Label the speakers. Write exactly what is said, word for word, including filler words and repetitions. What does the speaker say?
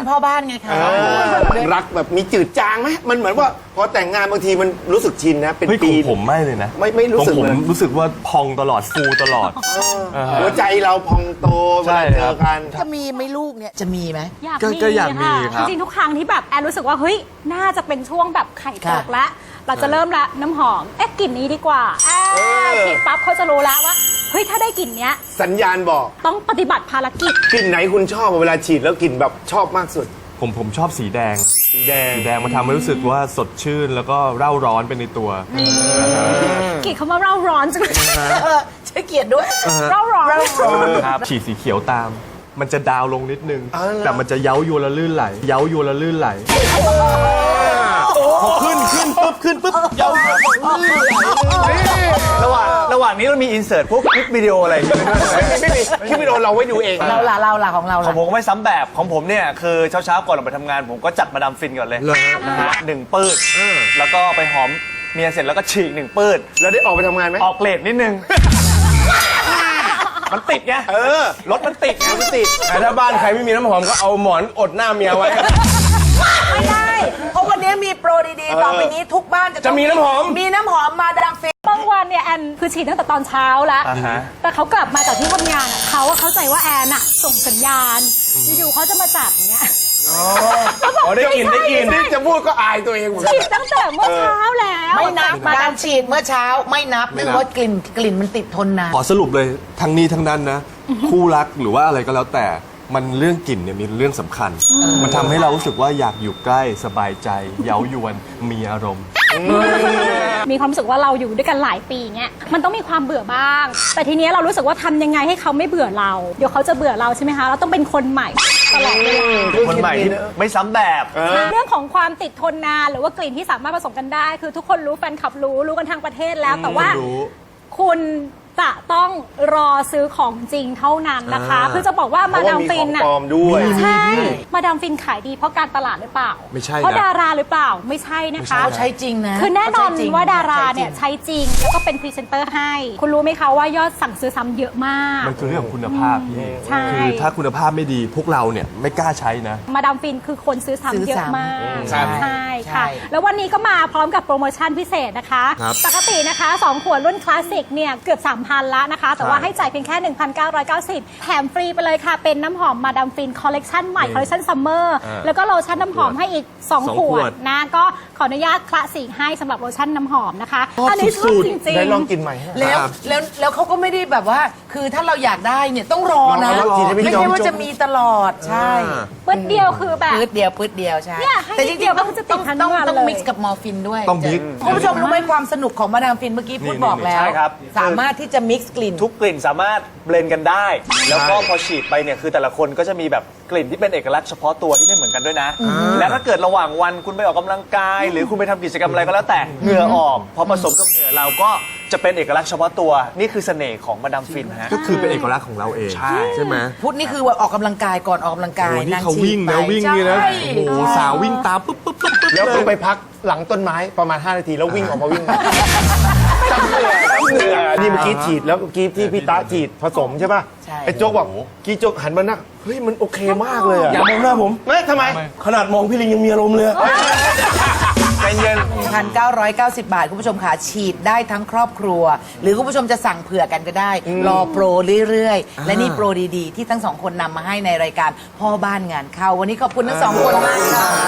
Speaker 1: เป็นพ่อบ้านไงคะ
Speaker 2: รักแบบมีจืดจางไหมมันเหมือนว่าพอแต่งงานบางทีมันรู้สึกชินนะเป็นปี
Speaker 3: ผมไม่เลยนะ
Speaker 2: ไม่ไม่รู้สึกเลย
Speaker 3: ผมรู้สึกว่าพองตลอดฟูตลอด
Speaker 2: หัวใจเราพองโตเวลาเจอกัน
Speaker 1: จะมีไหมลูกเนี่ยจะมีไหม
Speaker 3: ก็อยากมีครับ
Speaker 4: จริงๆทุกครั้งที่แบบแอนรู้สึกว่าเฮ้ยน่าจะเป็นช่วงแบบไข่ตกแล้วเราจะเริ่มละน้ำหอมเอ๊ะกลิ่นนี้ดีกว่าฉีดปั๊บเขาจะรู้แล้วว่าเฮ้ยถ้าได้กลิ่นเนี้ย
Speaker 2: สัญญาณบอก
Speaker 4: ต้องปฏิบัติภารกิจ
Speaker 2: กลิ่นไหนคุณชอบเวลาฉีดแล้วกลิ่นแบบชอบมากสุด
Speaker 3: ผมผมชอบสีแดง
Speaker 2: สีแดง
Speaker 3: สีแดงมันทำให้รู้สึกว่าสดชื่นแล้วก็เร่าร้อนไปในตัว
Speaker 4: กลิ่นคำว่าเร่าร้อนจังเลย
Speaker 1: ใช้เกียรติด้วย
Speaker 4: เร่าร้อน
Speaker 3: ครับฉีดสีเขียวตามมันจะดาวลงนิดนึงแต่มันจะเย้ายวนและลื่นไหลเย้ายวนและลื่นไหลพอขึ้นขึ้นปุ๊บขึ้นปุ๊บเย้า
Speaker 5: ระหว่างระหว่างนี้เรามีอินเสิร์ตพวกคลิปวิดีโออะไรไม่มี
Speaker 2: ไม่มีคลิปวิดีโอเราไว้ดูเอง
Speaker 1: เราล่ะเราล่ะของเรา
Speaker 5: ของผมก็ไม่ซ้ำแบบของผมเนี่ยคือเช้าๆก่อนเราไปทำงานผมก็จัดมาดามฟินก่อนเลยนะฮะหนึ่งปื้ดแล้วก็ไปหอมเมียเสร็จแล้วก็ฉีกหนึ่งปื้ด
Speaker 2: แล้วได้ออกไปทำงานไหม
Speaker 5: ออกเลทนิดนึงมันติดไง
Speaker 2: เออ
Speaker 5: รถมันติดไง
Speaker 2: มันติด
Speaker 3: แต่ถ้าบ้านใครไม่มีน้ำหอมก็เอาหมอนอดหน้าเมียไว้
Speaker 1: ไม่ได้เพราะวันนี้มีโปรดีๆต่อไปนี้ทุกบ้านจะ
Speaker 3: จะมีน้ำหอม
Speaker 1: มีน้ำหอมมาดามฟิน
Speaker 4: บางวันเนี่ยแอนคือฉีดตั้งแต่ตอนเช้าแล้วแต่เขากลับมาจากที่ทำงานเขาเข้าใจว่าแอนอะส่งสัญญาณอยู่ๆเขาจะมาจัดเงี้ย
Speaker 3: อ๋อได้กินได้กิน
Speaker 2: จะพูดก็อายตัวเองเหมือนกัน
Speaker 4: ฉีดตั้งแต่เมื่อเช้าแล้ว
Speaker 1: ไม่นับการฉีดเมื่อเช้าไม่นับเนื่องว่ากลิ่นกลิ่นมันติดทนนาน
Speaker 3: ขอสรุปเลยทั้งนี้ทั้งนั้นนะคู่รักหรือว่าอะไรก็แล้วแต่มันเรื่องกลิ่นเนี่ยมีเรื่องสำคัญมันทำให้เรารู้สึกว่าอยากอยู่ใกล้สบายใจเย้ายวนมีอารมณ์
Speaker 4: มีความรู้สึกว่าเราอยู่ด้วยกันหลายปีเงี้ยมันต้องมีความเบื่อบ้างแต่ทีนี้เรารู้สึกว่าทำยังไงให้เขาไม่เบื่อเราเดี๋ยวเขาจะเบื่อเราใช่ไหมคะเราต้องเป็นคนใหม่ตลอดเวลา
Speaker 5: คนใหม่ที่ไม่ซ้ำแบบ
Speaker 4: เรื่องของความติดทนนานหรือว่ากลิ่นที่สามารถผสมกันได้คือทุกคนรู้แฟนคลับรู้รู้กันทางประเทศแล้วแต่ว่าคุณจะต้องรอซื้อของจริงเท่านั้นนะคะคือจะบอกว่ามาดามฟิน
Speaker 2: น่ะ
Speaker 4: ใช่มาดามฟินขายดีเพราะการตลาดหรือเปล่า
Speaker 3: ไม่ใช่
Speaker 4: เพราะดาราหรือเปล่าไม่ใช่นะคะ
Speaker 1: เขาใช้จริงนะ
Speaker 4: คือแน่นอนว่าดาราเนี่ยใช้จริงแล้วก็เป็นพรีเซนเตอร์ให้คุณรู้ไหมคะว่ายอดสั่งซื้อซ้ำเยอะมาก
Speaker 3: มันคือเรื่องของคุณภาพพี่
Speaker 4: ใช่
Speaker 3: คือถ้าคุณภาพไม่ดีพวกเราเนี่ยไม่กล้าใช้นะ
Speaker 4: มาดามฟินคือคนซื้อซ้ำเยอะมากใช่ค่ะแล้ววันนี้ก็มาพร้อมกับโปรโมชั่นพิเศษนะคะปกตินะคะสองขวดรุ่นคลาสสิกเนี่ยเกือบ สามพัน แล้วนะคะแต่ว่าให้จ่ายเพียงแค่ หนึ่งพันเก้าร้อยเก้าสิบ แถมฟรีไปเลยค่ะเป็นน้ำหอมมาดามฟินคอลเลกชันใหม่คอลเลกชันซัมเมอร์แล้วก็โลชั่นน้ำหอมให้อีกสองขวดนะก็ขออนุญาตคละสีให้สำหรับโลชั่นน้ำหอมนะคะอันนี้ชอบจริงๆ
Speaker 2: ได้ลองกินใหม่
Speaker 1: แล้วแล้วแล้วเขาก็ไม่ได้แบบว่าคือถ้าเราอยากได้เนี่ยต้องรอนะไม่ใช่ว่าจะมีตลอดใช่
Speaker 4: ปื๊ดเดียวคือแบบ
Speaker 1: ปื๊ดเดียวปื๊ดเดียวใช่
Speaker 4: แต่จริงๆต้องต้อง
Speaker 1: ต้องต้องมิกซ์กับมอร์ฟินด้วย
Speaker 3: ต้องมิกซ์
Speaker 1: คุณผู้ชมรู้ไหมความสนุกของมาดามฟินเมื่อกี้พูดบอกแล้วสามารถที่จะมิกซ์กลิ่น
Speaker 5: ทุกกลิ่นสามารถเบลนด์กันได้แล้วก็พอฉีดไปเนี่ยคือแต่ละคนก็จะมีแบบกลิ่นที่เป็นเอกลักษณ์เฉพาะตัวที่ไม่เหมือนกันด้วยนะและถ้าเกิดระหว่างวันคุณไปออกกำลังกายหรือคุณไปทำกิจกรรมอะไรก็แล้วแต่เหงื่อออกพอผสมกับเหงื่อเราก็จะเป็นเอกลักษณ์เฉพาะตัวนี่คือเสน่ห์ของมาดามฟินฮะ
Speaker 3: ก็คือเป็นเอกลักษณ์ของเราเองใช่ไหม
Speaker 1: พุทธนี่คือออกกำลังกายก่อนออกกำลังกาย
Speaker 3: นี่เขาวิ่งนะวิ่งนี่นะโอ้โหสาววิ่งตามปุ๊บปุ๊บปุ๊บ
Speaker 2: แล้วก็ไปพักหลังต้นไม้ประมาณห้านาทีแล้ววิ่งออกมาวิ่งจำเหนื่อยจำเหนื่อยนี่เมื่อกี้ฉีดแล้วเมื่อกี้ที่พี่ตาฉีดผสมใช่ป่ะไอ้โจ๊กบอกกี้โจ๊กหันมาหน้าเฮ้ยมันโอเคมากเลย
Speaker 3: อย่ามองหน้าผม
Speaker 2: ไม่ทำไม
Speaker 3: ขนาดมองพี่ลิงยังมีอารมณ์เลย
Speaker 1: ใจเย็น หนึ่งพันเก้าร้อยเก้าสิบ บาทคุณผู้ชมค่ะฉีดได้ทั้งครอบครัวหรือคุณผู้ชมจะสั่งเผื่อกันก็ได้รอโปรเรื่อยๆและนี่โปรดีๆที่ทั้งสองคนนำมาให้ในรายการพ่อบ้านงานเข้าวันนี้ขอบคุณทั้งสองคนมากค่ะ